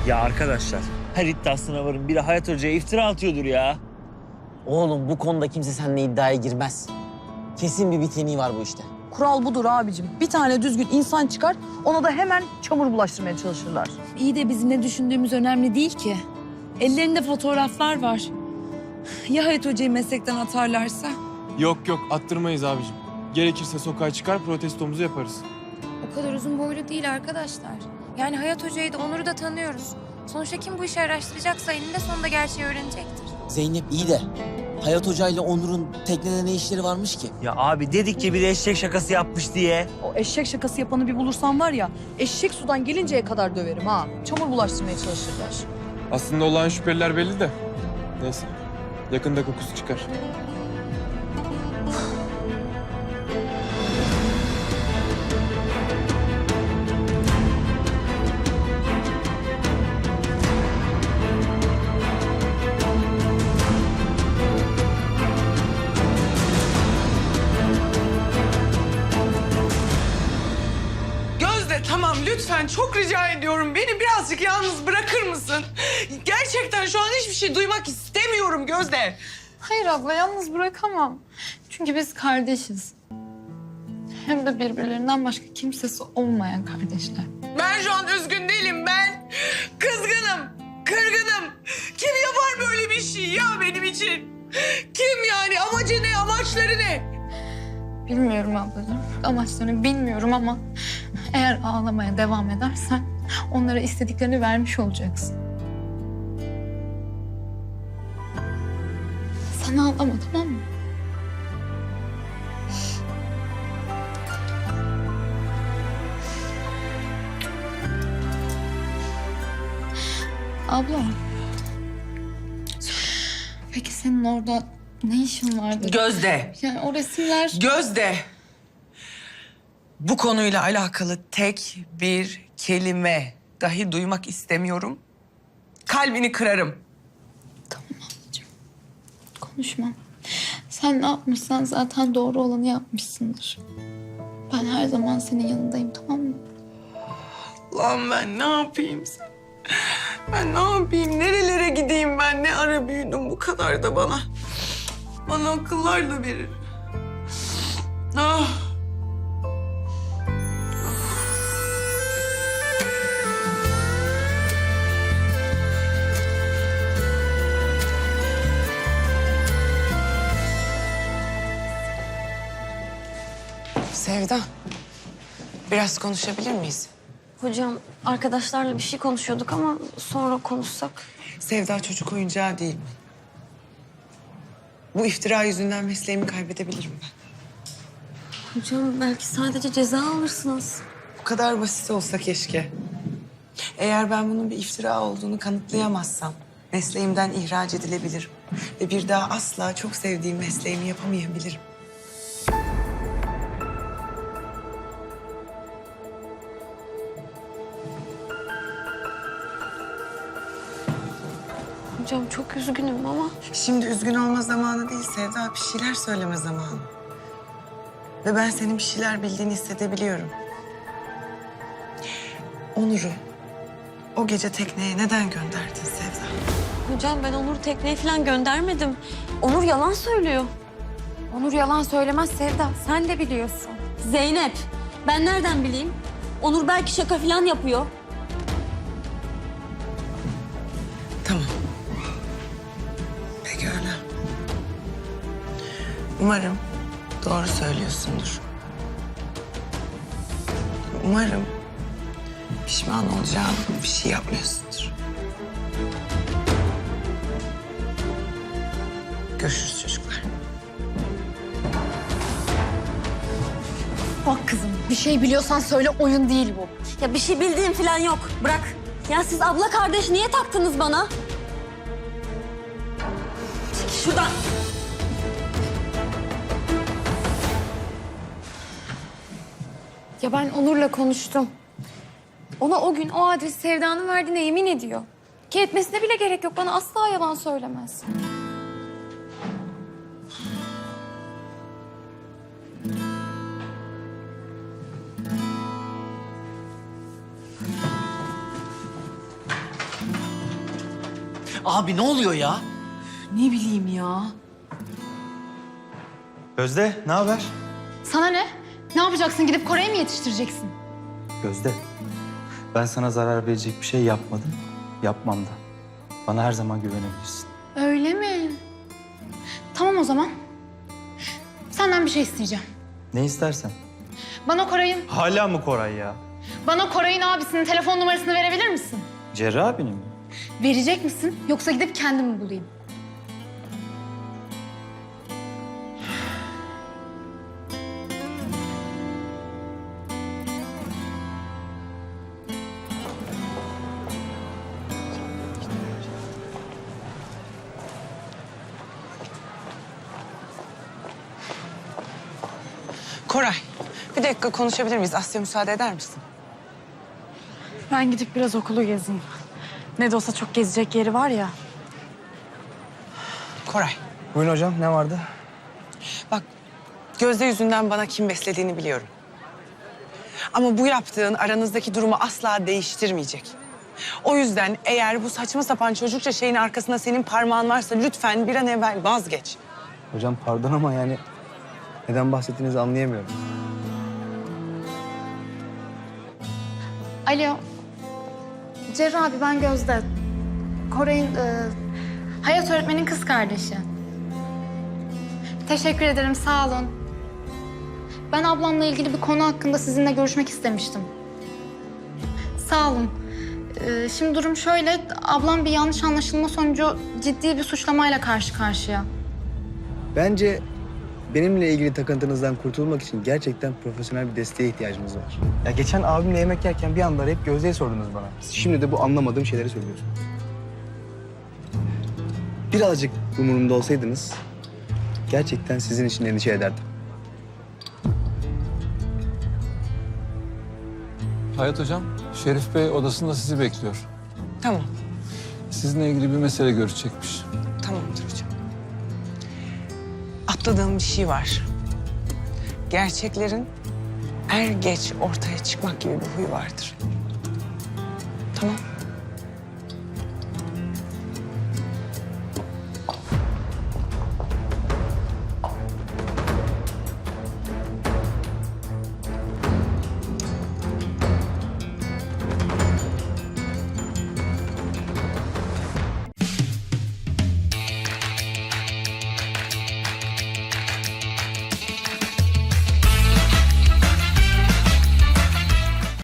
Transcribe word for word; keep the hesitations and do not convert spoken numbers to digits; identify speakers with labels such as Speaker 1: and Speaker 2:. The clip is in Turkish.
Speaker 1: Ya arkadaşlar, her iddiasına varın. Biri Hayat Hoca'ya iftira atıyordur ya.
Speaker 2: Oğlum bu konuda kimse seninle iddiaya girmez. Kesin bir biteni var bu işte.
Speaker 3: Kural budur abicim. Bir tane düzgün insan çıkar, ona da hemen çamur bulaştırmaya çalışırlar.
Speaker 4: İyi de bizim ne düşündüğümüz önemli değil ki. Ellerinde fotoğraflar var. Ya Hayat Hoca'yı meslekten atarlarsa?
Speaker 5: Yok yok attırmayız abicim. Gerekirse sokağa çıkar protestomuzu yaparız.
Speaker 6: O kadar uzun boylu değil arkadaşlar. Yani Hayat Hoca'yı da Onur'u da tanıyoruz. Sonuçta kim bu işi araştıracaksa eninde sonunda gerçeği öğrenecektir.
Speaker 2: Zeynep iyi de Hayat Hoca ile Onur'un teknede ne işleri varmış ki?
Speaker 1: Ya abi dedik ki bir eşek şakası yapmış diye.
Speaker 3: O eşek şakası yapanı bir bulursam var ya, eşek sudan gelinceye kadar döverim ha. Çamur bulaştırmaya çalışırlar.
Speaker 5: Aslında olan şüpheliler belli de. Neyse. Yakında kokusu çıkar.
Speaker 7: Gözde tamam lütfen çok rica ediyorum. Beni birazcık yalnız bırakır mısın? Gerçekten şu an hiçbir şey duymak istemiyorum Gözde.
Speaker 6: Hayır abla yalnız bırakamam. Çünkü biz kardeşiz. Hem de birbirlerinden başka kimsesi olmayan kardeşler.
Speaker 7: Ben şu an üzgün değilim ben. Kızgınım, kırgınım. Kim yapar böyle bir şey ya benim için? Kim yani? Amacı ne? Amaçları ne?
Speaker 6: Bilmiyorum ablacığım. Amaçlarını bilmiyorum ama eğer ağlamaya devam edersen onlara istediklerini vermiş olacaksın. Sen ağlama tamam mı? Abla. Peki senin orada ne işin vardı?
Speaker 7: Gözde,
Speaker 6: Yani o resimler...
Speaker 7: Gözde. Bu konuyla alakalı tek bir kelime dahi duymak istemiyorum. Kalbini kırarım.
Speaker 6: Tamam ablacığım. Konuşmam. Sen ne yapmışsan zaten doğru olanı yapmışsındır. Ben her zaman senin yanındayım tamam mı?
Speaker 7: Lan ben ne yapayım sen? Ben ne yapayım? Nerelere gideyim ben? Ne ara büyüdüm bu kadar da bana. Bana akıllar da verir. Ah. Sevda, biraz konuşabilir miyiz?
Speaker 8: Hocam arkadaşlarla bir şey konuşuyorduk ama sonra konuşsak.
Speaker 7: Sevda çocuk oyuncağı değil mi? Bu iftira yüzünden mesleğimi kaybedebilirim ben.
Speaker 8: Hocam belki sadece ceza alırsınız.
Speaker 7: Bu kadar basit olsa keşke. Eğer ben bunun bir iftira olduğunu kanıtlayamazsam mesleğimden ihraç edilebilirim. Ve bir daha asla çok sevdiğim mesleğimi yapamayabilirim.
Speaker 8: Hocam çok üzgünüm ama
Speaker 7: Şimdi üzgün olma zamanı değil Sevda, bir şeyler söyleme zamanı. Ve ben senin bir şeyler bildiğini hissedebiliyorum. Onur'u o gece tekneye neden gönderdin Sevda?
Speaker 8: hocam ben Onur'u tekneye falan göndermedim. Onur yalan söylüyor.
Speaker 6: Onur yalan söylemez Sevda. Sen de biliyorsun.
Speaker 8: Zeynep ben nereden bileyim? Onur belki şaka falan yapıyor.
Speaker 7: Tamam. Pekala. Umarım doğru söylüyorsundur. Umarım pişman olacağın bir şey yapmıyorsundur. Görüşürüz çocuklar.
Speaker 4: Bak kızım bir şey biliyorsan söyle oyun değil bu.
Speaker 8: Ya bir şey bildiğim falan yok. Bırak. Ya siz abla kardeş niye taktınız bana? Çekil şuradan.
Speaker 6: Ya ben Onur'la konuştum. Ona o gün o adresi Sevda'nın verdiğine yemin ediyor. Ki etmesine bile gerek yok. Bana asla yalan söylemez.
Speaker 2: Abi ne oluyor ya?
Speaker 3: Ne bileyim ya.
Speaker 9: Gözde, ne haber?
Speaker 6: Sana ne? Ne yapacaksın? Gidip Kore'ye mi yetiştireceksin?
Speaker 9: Gözde, ben sana zarar verecek bir şey yapmadım, yapmam da. Bana her zaman güvenebilirsin.
Speaker 6: Öyle mi? Tamam o zaman. Senden bir şey isteyeceğim.
Speaker 9: Ne istersen.
Speaker 6: Bana Koray'ın,
Speaker 9: Hala mı Koray ya?
Speaker 6: bana Koray'ın abisinin telefon numarasını verebilir misin?
Speaker 9: Cerrah abinin mi?
Speaker 6: Verecek misin? Yoksa gidip kendim mi bulayım?
Speaker 7: Koray, bir dakika konuşabilir miyiz? Asya müsaade eder misin?
Speaker 3: Ben gidip biraz okulu gezeyim. Ne de olsa çok gezecek yeri var ya.
Speaker 7: Koray,
Speaker 9: Buyurun hocam, ne vardı?
Speaker 7: bak Gözde yüzünden bana kim beslediğini biliyorum. Ama bu yaptığın aranızdaki durumu asla değiştirmeyecek. O yüzden eğer bu saçma sapan çocukça şeyin arkasında senin parmağın varsa lütfen bir an evvel vazgeç.
Speaker 10: Hocam pardon ama yani neden bahsettiğinizi anlayamıyorum.
Speaker 6: Alo. Cerrah abi ben Gözde. Koray'ın, e, Hayat öğretmenin kız kardeşi. Teşekkür ederim, sağ olun. Ben ablamla ilgili bir konu hakkında sizinle görüşmek istemiştim. Sağ olun. E, şimdi durum şöyle, ablam bir yanlış anlaşılma sonucu ciddi bir suçlamayla karşı karşıya.
Speaker 10: Bence benimle ilgili takıntınızdan kurtulmak için gerçekten profesyonel bir desteğe ihtiyacımız var. Ya geçen abimle yemek yerken bir anda hep Gözde'yi sordunuz bana. Şimdi de bu anlamadığım şeyleri söylüyorsunuz. Birazcık umurumda olsaydınız gerçekten sizin için endişe ederdim.
Speaker 11: Hayat hocam, Şerif Bey odasında sizi bekliyor.
Speaker 7: Tamam,
Speaker 11: Sizinle ilgili bir mesele görüşecekmiş.
Speaker 7: tamamdır hocam. Atladığım bir şey var. Gerçeklerin er geç ortaya çıkmak gibi bir huyu vardır. Tamam.